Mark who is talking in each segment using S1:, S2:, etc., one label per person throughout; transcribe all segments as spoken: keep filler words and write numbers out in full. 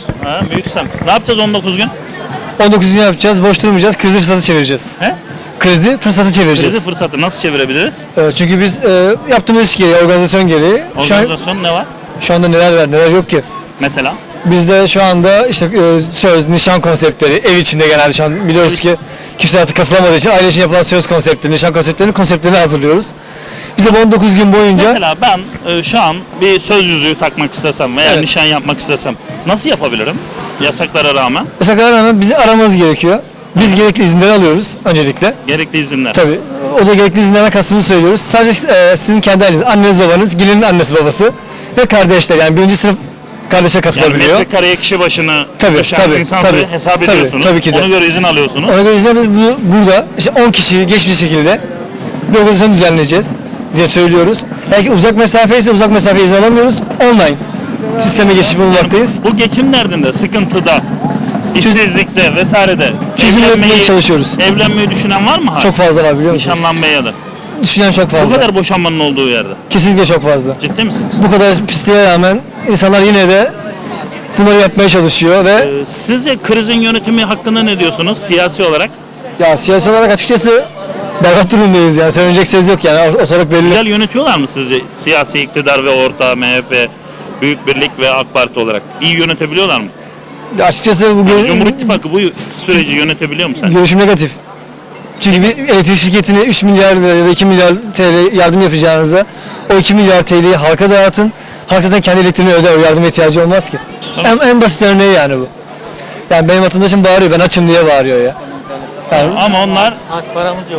S1: Ha, büyük sen. Ne yapacağız on dokuz gün?
S2: on dokuz gün yapacağız, boş durmayacağız, krizi fırsatı çevireceğiz.
S1: He?
S2: Krizi fırsatı çevireceğiz.
S1: Krizi fırsatı nasıl çevirebiliriz?
S2: Ee, çünkü biz e, yaptığımız iş gereği, organizasyon gereği şu, an,
S1: Organizasyon ne var?
S2: şu anda neler var, neler yok ki.
S1: Mesela?
S2: Bizde şu anda işte e, söz, nişan konseptleri, ev içinde genelde şu an biliyoruz ki kimse artık katılamadığı için aile için yapılan söz konseptleri, nişan konseptlerinin konseptlerini hazırlıyoruz. Biz de bu on dokuz gün boyunca...
S1: Mesela ben e, şu an bir söz yüzüğü takmak istesem veya
S2: Evet.
S1: nişan yapmak istesem nasıl yapabilirim? Yasaklara rağmen
S2: Yasaklara rağmen bizi aramamız gerekiyor. Biz gerekli izinleri alıyoruz öncelikle.
S1: gerekli izinler.
S2: Tabii. O da gerekli izinlerden kastımızı söylüyoruz. Sadece e, sizin kendi aileniz, anneniz, babanız, gelinin annesi, babası ve kardeşler. Yani birinci sınıf kardeşe
S1: Yani
S2: katılabiliyor.
S1: metrekareye kişi başına
S2: Tabii,
S1: düşen
S2: tabii,
S1: insan
S2: tabii,
S1: sayı hesap
S2: tabii,
S1: ediyorsunuz.
S2: tabii ki de.
S1: Ona göre izin alıyorsunuz.
S2: Ona göre izinler bu, burada işte on kişi geç bir şekilde bir organizasyon düzenleyeceğiz diye söylüyoruz. Eğer ki uzak mesafe ise uzak mesafe izin alamıyoruz. Online sisteme geçiş bulunmaktayız.
S1: Bu geçim derdinde, sıkıntıda, işsizlikte vesairede
S2: Çözüm üretmeye çalışıyoruz.
S1: evlenmeyi düşünen var mı? hala?
S2: Çok fazla var biliyor musunuz?
S1: Nişanlanmaya ya da.
S2: Düşünen çok
S1: Bu
S2: fazla.
S1: kadar boşanmanın olduğu yerde.
S2: Kesinlikle çok fazla.
S1: Ciddi misiniz?
S2: Bu kadar pisliğe rağmen insanlar yine de bunları yapmaya çalışıyor ve
S1: Ee, Sizce krizin yönetimi hakkında ne diyorsunuz siyasi olarak?
S2: ya siyasi olarak açıkçası berbat durumdayız yani. Söylenecek söz yok yani. Ortalık belli.
S1: Güzel yönetiyorlar mı sizce siyasi iktidar ve orta M H P, Büyük Birlik ve AK Parti olarak? İyi yönetebiliyorlar mı?
S2: Ya açıkçası bu gör-
S1: Cumhur İttifakı bu süreci yönetebiliyor mu sence?
S2: görüşüm negatif. Çünkü bir elektrik şirketine üç milyar lira ya da iki milyar T L yardım yapacağınıza o iki milyar T L'yi halka dağıtın. Halk zaten kendi elektriğini öder. O yardıma ihtiyacı olmaz ki.
S1: Tamam.
S2: En, en basit örneği yani bu. Yani benim vatandaşım bağırıyor. Ben açım diye bağırıyor ya. Yani,
S1: Ama onlar paramız yok.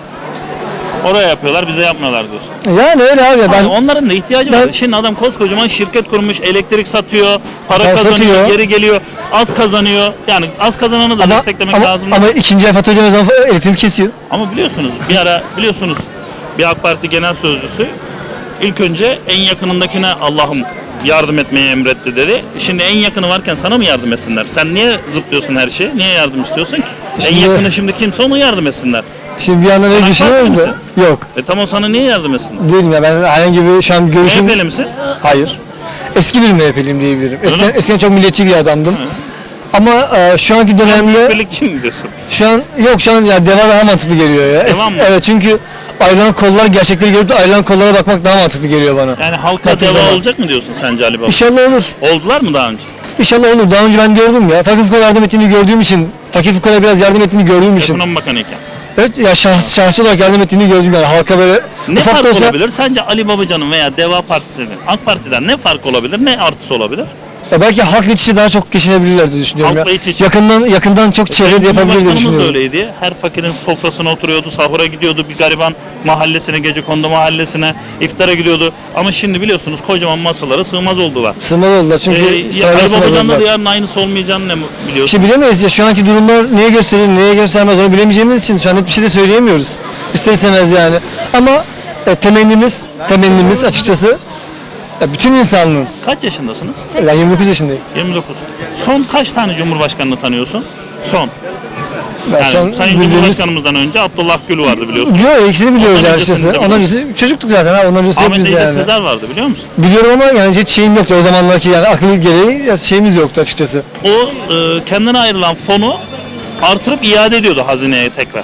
S1: Oraya yapıyorlar, bize yapmıyorlar diyorsun.
S2: yani öyle abi. Ya,
S1: Ben,
S2: ben
S1: onların da ihtiyacı
S2: ben-
S1: var. Şimdi adam koskocaman şirket kurmuş, elektrik satıyor, para
S2: Para
S1: kazanıyor,
S2: satıyor.
S1: geri geliyor, az kazanıyor. Yani az kazananı da
S2: ama,
S1: desteklemek
S2: ama,
S1: lazım.
S2: ama ikinci el fatura ödemez zaman elektrik kesiyor.
S1: Ama biliyorsunuz bir ara biliyorsunuz bir AK Parti genel sözcüsü ilk önce en yakınındakine Allah'ım yardım etmeyi emretti dedi. Şimdi en yakını varken sana mı yardım etsinler? Sen niye zıplıyorsun her şeye? Niye yardım istiyorsun ki?
S2: Şimdi-
S1: en yakını şimdi kimse ona yardım etsinler.
S2: Şimdi bir yandan
S1: Sen
S2: öyle
S1: AK
S2: düşünüyoruz
S1: Partili
S2: da. Yok.
S1: E tamam sana niye yardım etsinler?
S2: Değilim ya. Ben herhangi bir şu an görüşüm...
S1: M H P'li misin?
S2: Hayır. Eski bir M H P'liyim diyebilirim. Eskiden,
S1: Öyle mi?
S2: eskiden çok milliyetçi bir adamdım. Ama e, şu anki dönemde
S1: Birlikçi mi diyorsun?
S2: şu an yok şu an ya deva daha mantıklı geliyor ya. Es-
S1: Devam mı?
S2: Evet çünkü ayrılan kollar gerçekleri görüp de ayrılan kollara bakmak daha mantıklı geliyor bana.
S1: Yani halka
S2: Bakın
S1: deva
S2: zaman.
S1: olacak mı diyorsun sence Ali Baba?
S2: İnşallah olur.
S1: Oldular mı daha önce?
S2: İnşallah olur. Daha önce ben gördüm ya. Fakir fukara yardım ettiğini gördüğüm için, fakir fukara biraz yardım ettiğini gördüğüm için.
S1: Ekonomi Bakanıyken.
S2: Evet ya şahs, şahsi olarak yardım ettiğini gördüm yani halka böyle
S1: Ne
S2: ufak
S1: fark
S2: da olsa.
S1: olabilir? Sence Ali Babacan'ın veya Deva Partisi'nin AK Parti'den ne fark olabilir? Ne artısı olabilir?
S2: Ya belki halk iç içe daha çok geçinebilirler diye düşünüyorum
S1: Halkla
S2: ya.
S1: iç içe.
S2: Yakından yakından çok çevre de yapabilir diye
S1: Cumhurbaşkanımız da
S2: düşünüyorum.
S1: öyleydi. Her fakirin sofrasına oturuyordu, sahura gidiyordu, bir gariban mahallesine, gecekondu mahallesine, iftara gidiyordu. Ama şimdi biliyorsunuz kocaman masalara sığmaz oldular.
S2: Sığmaz oldular çünkü
S1: Ee, ya
S2: sırayla
S1: Ali
S2: sığmaz
S1: Babacan'la da
S2: oldular.
S1: yarın aynısı olmayacağını ne biliyorsun?
S2: İşte bilemeyiz ya şu anki durumlar neye gösterir, neye göstermez onu bilemeyeceğimiz için şu an hiçbir şey de söyleyemiyoruz. İster istemez yani. Ama e, temennimiz, temennimiz açıkçası ya bütün insanlığın.
S1: Kaç yaşındasınız?
S2: Ben yirmi dokuz yaşındayım.
S1: yirmi dokuz. Son kaç tane Cumhurbaşkanını tanıyorsun? Son.
S2: Ben
S1: Yani
S2: son
S1: Sayın
S2: bildiğimiz...
S1: Cumhurbaşkanımızdan önce Abdullah Gül vardı biliyorsun.
S2: Yok ikisini biliyoruz
S1: Ondan
S2: yani
S1: öncesini
S2: açıkçası.
S1: de
S2: Ondan
S1: biliyorsun.
S2: öncesi çocuktuk zaten ha. Ondan öncesi hep
S1: Ahmet
S2: biz
S1: Ece
S2: yani.
S1: Sezer vardı biliyor musun?
S2: Biliyorum ama yani hiç şeyim yoktu o zamanlarki yani aklı gereği ya şeyimiz yoktu açıkçası.
S1: O e, kendine ayrılan fonu artırıp iade ediyordu hazineye tekrar.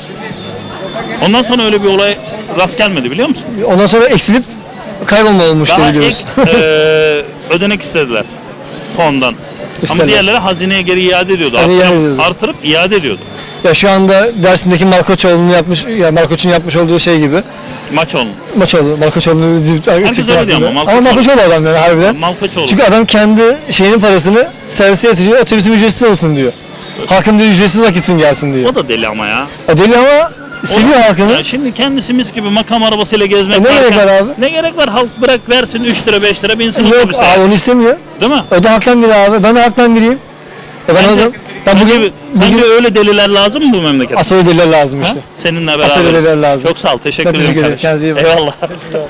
S1: Ondan sonra öyle bir olay rast gelmedi biliyor musun?
S2: Ondan sonra eksilip kaybolma olmuştu
S1: Daha
S2: biliyoruz.
S1: ek e, ödenek istediler fondan. Ama
S2: İstediler.
S1: diğerleri hazineye geri iade ediyordu.
S2: Yani
S1: Artırıp,
S2: iade ediyordu.
S1: artırıp iade ediyordu.
S2: Ya şu anda Dersim'deki Malkoçoğlu'nun yapmış, ya Malkoç'un yapmış olduğu şey gibi.
S1: Maç onun.
S2: Maçoğlu, Malkoçoğlu'nu zift
S1: öyle diyor ama Malkoçoğlu.
S2: Ama Malkoçoğlu adam yani harbiden.
S1: Malkoçoğlu.
S2: Çünkü adam kendi şeyinin parasını servise yatırıyor, otobüsüm ücretsiz olsun diyor. Halkım diyor ücretsiz olarak gitsin gelsin diyor.
S1: O da deli ama ya.
S2: O deli ama seviyor
S1: O-
S2: halkını.
S1: Ya şimdi kendisi mis gibi makam arabasıyla gezmek
S2: E ne gerek
S1: varken-
S2: var abi?
S1: Ne gerek var? Halk bırak versin üç lira beş lira binsin
S2: Yok
S1: otobüse.
S2: abi onu istemiyor.
S1: Değil mi?
S2: O da haktan biri abi. Ben de haktan biriyim. E ben,
S1: Sence,
S2: o- ben bugün,
S1: bugün, sence
S2: bugün
S1: öyle deliler lazım mı bu memlekete?
S2: asıl ödüller lazım
S1: Ha?
S2: işte.
S1: Seninle
S2: Asıl
S1: beraberiz.
S2: ödüller lazım.
S1: Çok sağ ol. Teşekkür
S2: Ben teşekkür
S1: ederim
S2: ederim. Kendinize
S1: kardeşim.
S2: iyi bakın.
S1: Eyvallah.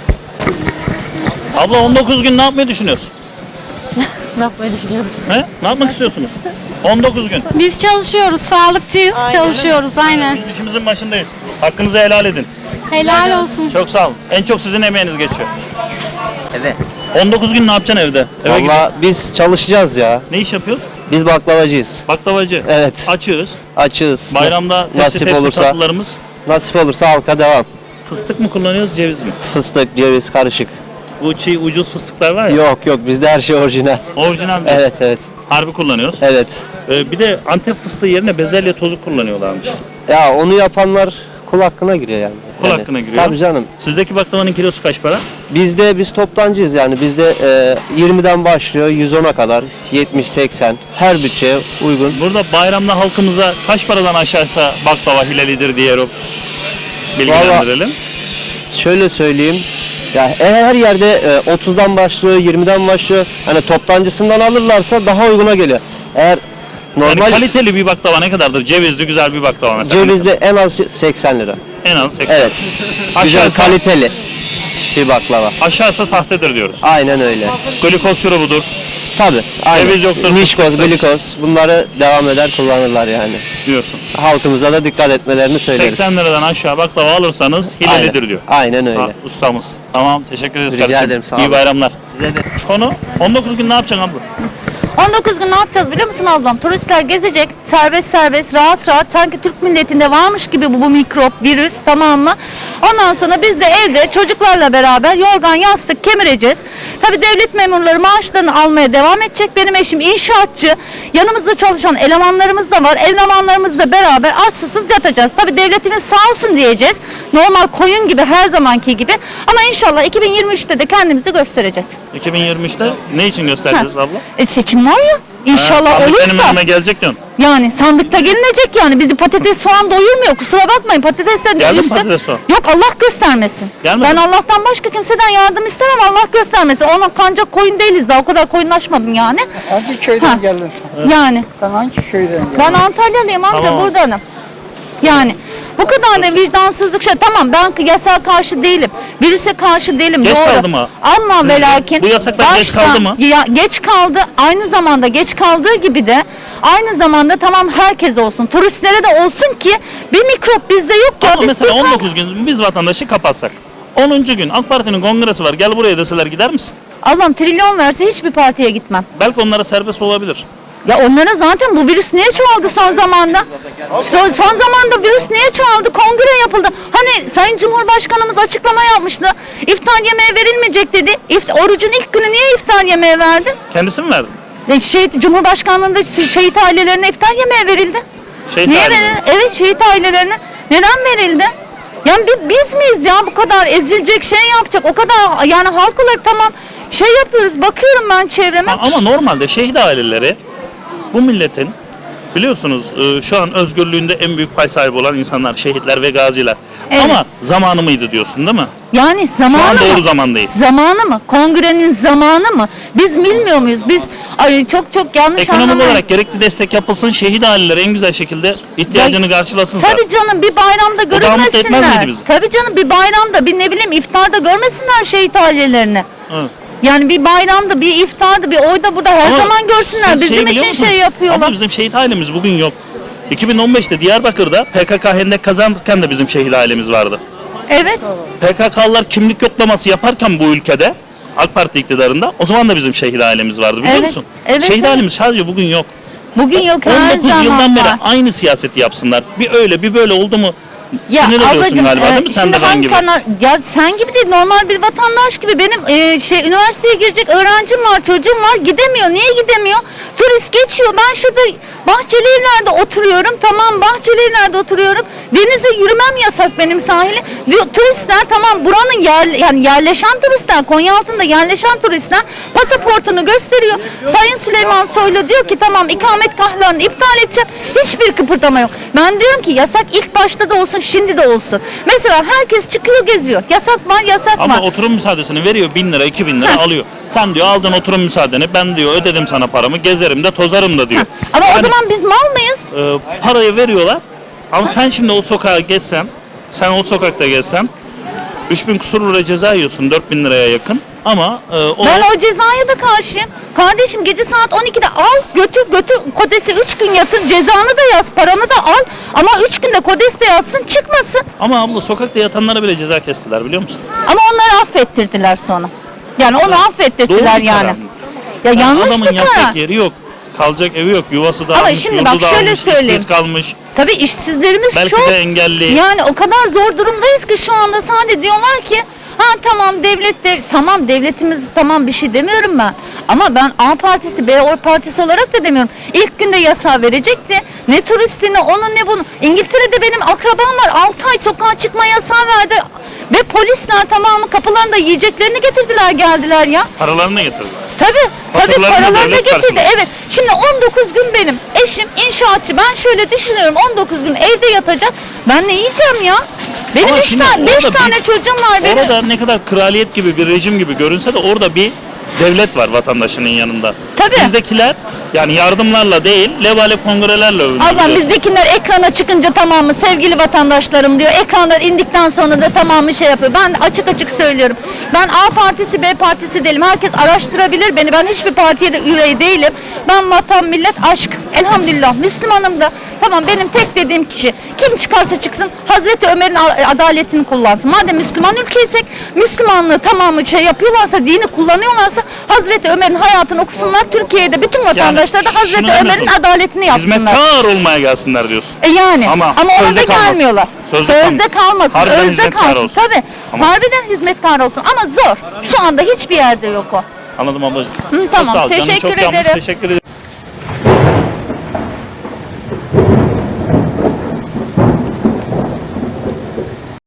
S1: Abla on dokuz gün ne yapmayı düşünüyorsun?
S3: Ne yapmayı düşünüyorum?
S1: He? Ne yapmak istiyorsunuz? on dokuz gün.
S3: Biz çalışıyoruz, sağlıkçıyız, çalışıyoruz aynen.
S1: Biz işimizin başındayız. Hakkınızı helal edin.
S3: Helal olsun.
S1: Çok sağ olun. En çok sizin emeğiniz geçiyor.
S4: Evet.
S1: on dokuz gün ne yapacaksın evde? Eve gidip
S4: Valla biz çalışacağız ya.
S1: ne iş yapıyoruz?
S4: Biz baklavacıyız.
S1: Baklavacı.
S4: Evet.
S1: Açığız.
S4: Açığız.
S1: Bayramda tepsi
S4: nasip
S1: tepsi
S4: olursa,
S1: tatlılarımız.
S4: nasip olursa halka devam.
S1: Fıstık mı kullanıyoruz, ceviz mi?
S4: Fıstık, ceviz karışık.
S1: Bu çiğ ucuz fıstıklar var ya.
S4: Yok yok bizde her şey orijinal.
S1: Orijinal mi?
S4: Evet evet.
S1: Harbi kullanıyoruz.
S4: Evet.
S1: Ee, bir de Antep fıstığı yerine bezelye tozu kullanıyorlarmış.
S4: Ya onu yapanlar kul hakkına giriyor yani.
S1: Kul
S4: Yani,
S1: hakkına giriyor.
S4: Tabii canım.
S1: Sizdeki baklavanın kilosu kaç para?
S4: Bizde biz toptancıyız yani. Bizde e, yirmiden başlıyor yüz ona kadar. yetmiş seksen. Her bütçeye uygun.
S1: Burada bayramda halkımıza kaç paradan aşağıysa baklava hilalidir diye bilgilendirelim.
S4: Şöyle söyleyeyim. Ya her yerde e, otuzdan başlıyor, yirmiden başlıyor. Hani toptancısından alırlarsa daha uyguna geliyor. Eğer
S1: Yani
S4: normal
S1: kaliteli bir baklava ne kadardır? Cevizli güzel bir baklava mesela.
S4: cevizli en az seksen lira.
S1: En az seksen.
S4: Evet. Güzel
S1: Aşağısı,
S4: kaliteli bir baklava.
S1: aşağısı sahtedir diyoruz.
S4: Aynen öyle.
S1: Glikoz şurubudur.
S4: Tabii. Aynen.
S1: Ceviz yoktur,
S4: Mişkoz,
S1: fıstıktır.
S4: glikoz bunları devam eder kullanırlar yani.
S1: Diyorsun.
S4: Halkımıza da dikkat etmelerini söyleriz.
S1: seksen liradan aşağı baklava alırsanız hilalidir
S4: Aynen.
S1: diyor.
S4: Aynen öyle.
S1: Ha, ustamız. Tamam, teşekkür ederiz
S4: Rica
S1: kardeşim.
S4: ederim, sağ
S1: İyi
S4: olun.
S1: bayramlar.
S4: Size de.
S1: Konu on dokuz gün ne yapacaksın abla?
S5: on dokuz gün ne yapacağız biliyor musun ablam? Turistler gezecek serbest serbest rahat rahat sanki Türk milletinde varmış gibi bu, bu mikrop, virüs, tamam mı? Ondan sonra biz de evde çocuklarla beraber yorgan yastık kemireceğiz. Tabii devlet memurları maaşlarını almaya devam edecek. Benim eşim inşaatçı. Yanımızda çalışan elemanlarımız da var. Elemanlarımızla beraber aç susuz yatacağız. Tabii devletimiz sağ olsun diyeceğiz. Normal koyun gibi her zamanki gibi. Ama inşallah iki bin yirmi üçte de kendimizi göstereceğiz.
S1: iki bin yirmi üçte ne için göstereceğiz abla?
S5: E seçim var ya. İnşallah
S1: Ha, sandık benim
S5: olursa.
S1: önüme gelecek diyorsun.
S5: Yani sandıkta gelinecek yani. Bizi patates soğan doyurmuyor. Kusura bakmayın patateslerin
S1: Geldi mi
S5: üstü.
S1: patates soğan?
S5: Yok Allah göstermesin.
S1: Gelmedi
S5: Ben
S1: mi?
S5: Allah'tan başka kimseden yardım istemem. Allah göstermesin. Ona kancak koyun değiliz daha. O kadar koyunlaşmadım yani.
S6: Hangi köyden
S5: Ha.
S6: geldin sen?
S5: Yani.
S6: Sen hangi köyden geldin?
S5: Ben Antalyalıyım amca
S1: Tamam.
S5: buradanım. Yani bu kadar da vicdansızlık şey. Tamam ben yasağa karşı değilim. Virüse karşı değilim.
S1: Geç
S5: doğru.
S1: kaldı mı?
S5: Ama
S1: Sizce
S5: ve lakin.
S1: bu yasaklar geç
S5: baştan-
S1: kaldı mı?
S5: Ya, geç kaldı. Aynı zamanda geç kaldığı gibi de aynı zamanda tamam herkes olsun. Turistlere de olsun ki bir mikrop bizde yok ki.
S1: Ama
S5: Biz
S1: mesela
S5: Türk-
S1: on dokuz gün biz vatandaşı kapatsak. onuncu gün AK Parti'nin kongresi var. Gel buraya deseler gider misin?
S5: Allah'ım trilyon verse hiçbir partiye gitmem.
S1: Belki onlara serbest olabilir.
S5: Ya onlara zaten bu virüs niye çoğaldı son zamanda? Son, son zamanda virüs niye çoğaldı? Kongre yapıldı. Hani Sayın Cumhurbaşkanımız açıklama yapmıştı. İftar yemeği verilmeyecek dedi. İft, orucun ilk günü niye iftar yemeği verdi?
S1: Kendisi mi verdi?
S5: E, Şehit, Cumhurbaşkanlığında şehit ailelerine iftar yemeği verildi.
S1: Şehit
S5: niye
S1: ailelerine.
S5: verildi? Evet şehit ailelerine. Neden verildi? Yani bi- biz miyiz ya bu kadar ezilecek şey yapacak? O kadar yani halk olarak tamam şey yapıyoruz. Bakıyorum ben çevreme.
S1: Ha, ama normalde şehit aileleri bu milletin biliyorsunuz e, şu an özgürlüğünde en büyük pay sahibi olan insanlar, şehitler ve gaziler.
S5: Evet.
S1: Ama zamanı mıydı diyorsun değil mi?
S5: Yani
S1: Şu an
S5: zamanı
S1: doğru
S5: mı?
S1: zamandayız.
S5: Zamanı mı? Kongrenin zamanı mı? Biz bilmiyor muyuz? Biz ay çok çok yanlış
S1: Ekonomik
S5: anlamayın.
S1: olarak gerekli destek yapılsın, şehit aileleri en güzel şekilde ihtiyacını karşılasın. zaten.
S5: Tabii canım bir bayramda
S1: daha mutlu etmez
S5: görünmesinler.
S1: miydi bizi?
S5: Tabii canım bir bayramda bir ne bileyim iftarda görmesinler şehit ailelerini.
S1: Evet.
S5: Yani bir bayramda bir iftarda bir oyda burada her
S1: Ama
S5: zaman görsünler.
S1: siz
S5: Bizim
S1: şeyi biliyor
S5: için
S1: musunuz?
S5: şey yapıyorlar.
S1: Ama bizim şehit ailemiz bugün yok. iki bin on beşte Diyarbakır'da P K K hendek kazanırken de bizim şehit ailemiz vardı.
S5: Evet.
S1: P K K'lılar kimlik yoklaması yaparken bu ülkede AK Parti iktidarında o zaman da bizim şehit ailemiz vardı biliyor
S5: Evet,
S1: musun?
S5: evet,
S1: şehit
S5: evet.
S1: ailemiz sadece bugün yok.
S5: Bugün yok
S1: on
S5: her
S1: dokuz
S5: zaman
S1: yıldan beri
S5: var.
S1: aynı siyaseti yapsınlar. Bir öyle bir böyle oldu mu
S5: Ya
S1: sinir oluyorsun
S5: ablacığım,
S1: galiba
S5: e,
S1: değil mi? Sen
S5: şimdi
S1: de ben
S5: hangi
S1: gibi.
S5: kanal- ya sen gibi değil normal bir vatandaş gibi benim e, şey üniversiteye girecek öğrencim var çocuğum var gidemiyor. Niye gidemiyor? Turist geçiyor. Ben şurada Bahçeli Evler'de oturuyorum. Tamam Bahçeli Evler'de oturuyorum. Denize yürümem yasak benim sahile. Diyor, turistler tamam buranın yer, yani yerleşen turistler Konyaaltı'nda yerleşen turistler pasaportunu gösteriyor. Sayın Süleyman Soylu diyor ki tamam ikamet kartlarını iptal edeceğim. Hiçbir kıpırdama yok. Ben diyorum ki yasak ilk başta da olsun şimdi de olsun. Mesela herkes çıkıyor geziyor. Yasak var yasak
S1: Ama
S5: var.
S1: oturum müsaadesini veriyor bin lira iki bin lira
S5: Heh.
S1: alıyor. Sen diyor aldın oturum müsaadeni ben diyor ödedim sana paramı gezerim de tozarım da diyor.
S5: Ama o
S1: Yani,
S5: zaman biz mal mıyız?
S1: e, parayı veriyorlar ama sen şimdi o sokağa geçsen sen o sokakta gezsen üç bin kusur lira ceza yiyorsun dört bin liraya yakın ama e, o
S5: Ben o cezaya da karşıyım. Kardeşim gece saat on ikide al götür götür kodesi üç gün yatır cezanı da yaz paranı da al ama üç günde kodes de yatsın çıkmasın.
S1: ama abla sokakta yatanlara bile ceza kestiler biliyor musun?
S5: Ama onları affettirdiler sonra. Yani onu affettirdiler
S1: Doğru bir
S5: yani.
S1: karar mı?
S5: Ya
S1: Yani
S5: yanlış
S1: adamın
S5: bir
S1: yatacak
S5: karar.
S1: yeri yok. kalacak evi yok. Yuvası dağılmış,
S5: şimdi
S1: yurdu
S5: bak şöyle
S1: dağılmış,
S5: söyleyeyim.
S1: işsiz kalmış.
S5: Tabii işsizlerimiz
S1: Belki
S5: çok.
S1: de engelli.
S5: Yani o kadar zor durumdayız ki şu anda sadece diyorlar ki ha tamam devlet de tamam devletimiz tamam bir şey demiyorum ben. Ama ben A partisi B partisi olarak da demiyorum. İlk günde yasağı verecekti. Ne turistini onun ne bunu. İngiltere'de benim akrabam var. altı ay sokağa çıkma yasağı verdi. Ve polisler tamamı kapılarında yiyeceklerini getirdiler geldiler ya.
S1: Paralarını getirdiler.
S5: Tabii, tabii
S1: Faturalarını
S5: paralarını
S1: devlet
S5: getirdi.
S1: karşılıyor.
S5: Evet. Şimdi on dokuz gün benim eşim inşaatçı. Ben şöyle düşünüyorum. on dokuz gün evde yatacak. Ben ne yiyeceğim ya? Benim
S1: Ama
S5: üç
S1: şimdi
S5: tane, beş
S1: orada bir-
S5: tane çocuğum var benim.
S1: Orada ne kadar kraliyet gibi bir rejim gibi görünse de orada bir devlet var vatandaşının yanında.
S5: Tabii.
S1: Bizdekiler yani yardımlarla değil, levale kongrelerle övünüyor.
S5: Allah
S1: biliyorsun.
S5: bizdekiler ekrana çıkınca tamamı sevgili vatandaşlarım diyor. Ekranlar indikten sonra da tamamı şey yapıyor. Ben açık açık söylüyorum. Ben A partisi B partisi değilim. Herkes araştırabilir beni. Ben hiçbir partiye de üye değilim. Ben vatan millet aşk. Elhamdülillah Müslümanım da. Tamam benim tek dediğim kişi kim çıkarsa çıksın Hazreti Ömer'in a- adaletini kullansın. Madem Müslüman ülkeysek Müslümanlığı tamamı şey yapıyorlarsa dini kullanıyorlarsa Hazreti Ömer'in hayatını okusunlar. Türkiye'de bütün vatandaşlar da
S1: şunu
S5: Hazreti
S1: demiyorsun.
S5: Ömer'in adaletini yapsınlar.
S1: Hizmetkar olmaya gelsinler diyorsun.
S5: E yani
S1: Ama
S5: ama, ona
S1: sözde
S5: da
S1: kalmasın.
S5: gelmiyorlar.
S1: Sözde
S5: Sözde,
S1: kalmasın.
S5: kalmasın,
S1: Harbiden
S5: özde
S1: hizmetkar
S5: kalsın.
S1: olsun.
S5: Tabii.
S1: Ama-
S5: Harbiden hizmetkar olsun ama zor. Şu anda hiçbir yerde yok o.
S1: Anladım ablacığım.
S5: Hı,
S1: Çok
S5: tamam,
S1: sağ ol. Canın
S5: teşekkür
S1: çok yanmış.
S5: ederim.
S1: Teşekkür ederim.